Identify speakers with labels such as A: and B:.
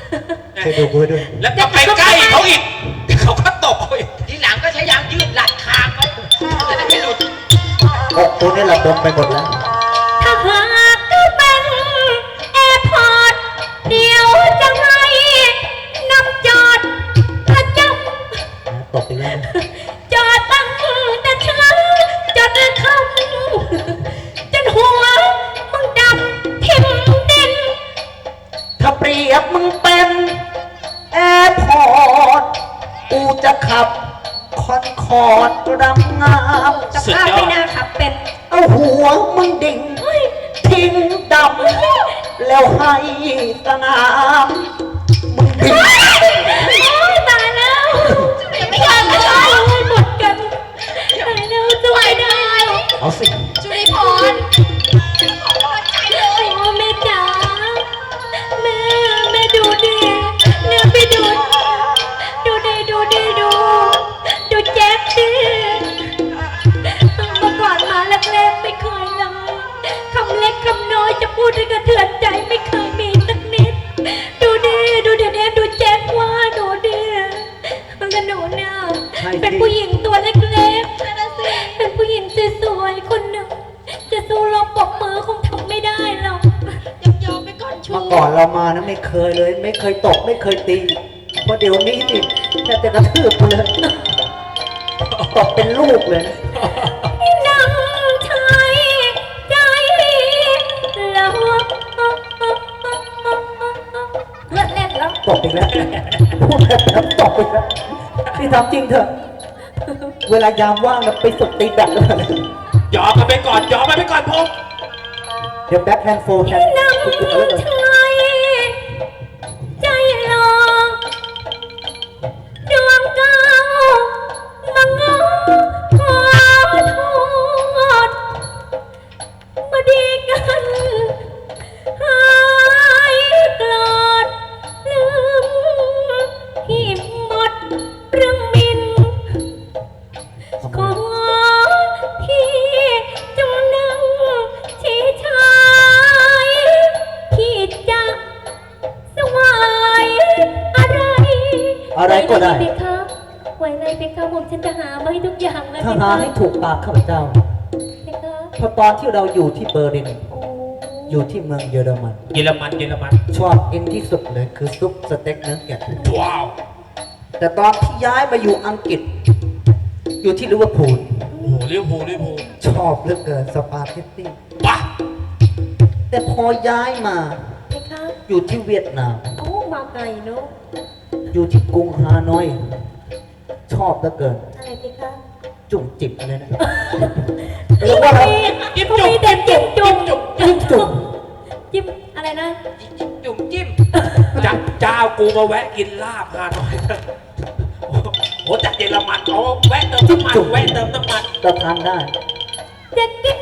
A: เคยดูกูด้วย
B: แล้วก็ไปใกล้เขาอีกเขาก็ตกอีก
C: ทีหลังก็ใช้ยางยืดหลัดคางไว้จะได้ไม่หลุด
A: อกกูนี่ระบมไปหมดแล้ว
D: ถ้าหากก็เป็นแอร์พอร์ตเดี๋ยวจะให้นำจอดประจำ
A: ตกอีกแล้ว
D: จอดตั้งแต่เช้าจนค่ำจนหัวมึงดำทิ่มดิน
A: ถ้าเปรียบมึงเป็นแอร์พอร์ตกูจะขับคอนคอร์ดรังงาม
D: สภาพไม่น่าขับเป็น
A: เอาหัวมึงดิ่งทิ้งดำแล้วให้สนามมึงดิ่ง
D: โอ้ยตายแล้วไม่อยากจะตายเลยหมดกันตายแล้วช่วยได้
A: เอาสิ
C: จุลิพรขอกำลังใจเลย
D: โอ้แม่จ๋าแม่ดูดิเนี่ยไปดูแจ็คดิเมื่อก่อนมาแรกๆไม่เคยเลยคำเล็กคำน้อยจะพูดให้กระเทือนใจไม่เคยมีสักนิดดูเดี๋ยวดูแจ็คว่าดูดิมันกับหนูเนี่ยเป็นผู้หญิงตัวเล็กๆเป็นผู้หญิงสวยๆคนหนึ่งจะสู้เราปกมือคงทำไม่ได้หรอก
C: ยอมไปก่อนชู
A: เมื่อก่อนเรามานะไม่เคยเลย ไม่เคยตกไม่เคยตีเพราะเดี๋ยวนี้นี่แค่จะกระทืบกูเลยตกเป็นลูกเลยนะ
D: นั่งชายใจเราเลิศเล่นแล้ว
A: ตกอีกแล้วพูดแบบตกอีกแล้วนี่ทำจริงเถอะ เวลายามว่างนะไปฝึกตีแบดแล้วนะ
B: ยอมกันไปก่อนยอมกันไปก่อนพง
A: เดี๋ยวแบ็คแฮนด์โฟร์แฮนด์
D: นั่ง
A: ฝึกเอาไว้ก่อน
D: ชายใจรอดวงดาวมังงอขอโทษมาดีกันหายกลอดลืมที่หมดเรื่องมิน ขอพี่จงนั่งชี้ชายพี่จะสวายอะไร
A: อะไรก็ได้
D: หวเพคะไหวอะไรเพคะผมฉันจะหามาให้ทุกอย่างเลย
A: ถ้า
D: เพ
A: หา
D: คะ
A: ให้ถูกปากข้าพเจ้า
D: เพคะ
A: เพราะตอนที่เราอยู่ที่เบอร์ลิน
D: โอ้
A: อยู่ที่เมืองเยอรมัน
B: เยอรมัน
A: ชอบกินที่สุดเลยคือซุปสเต็กเนื้อแกะ
B: ว้าว
A: แต่ตอนที่ย้ายมาอยู่อังกฤษ อยู่ที่ลิเวอร์พูล
B: โอ้โหลิเวอร์พูล
A: ชอบเหลือเกินสปาเกตตี้
B: ว้า
A: แต่พอย้ายมา
D: เพคะ
A: อยู่ที่เวียดนาม
D: โอ้มาไกลเนาะ
A: อยู่ที่กรุงฮานอย ชอบเหลือเกิน
D: อะไรเพคะ
A: จุ่มจิบอะไรนะเรียกว่าอะไร
B: จิ้ม
D: เขา
B: จุ่ม
D: มีแต่จิ้มจุ่ม
A: จิ้มจุ่ม
D: จิ้มอะไรนะ
C: จุ่มจิ้ม
B: เจ้ากูมาแวะกินลาบฮานอยโอ้จากเยอรมันเอาแวะเติมน้ำมัน
A: จุ่ม
B: แวะเติมน้ำมัน
A: เราทานได้
D: จะกิน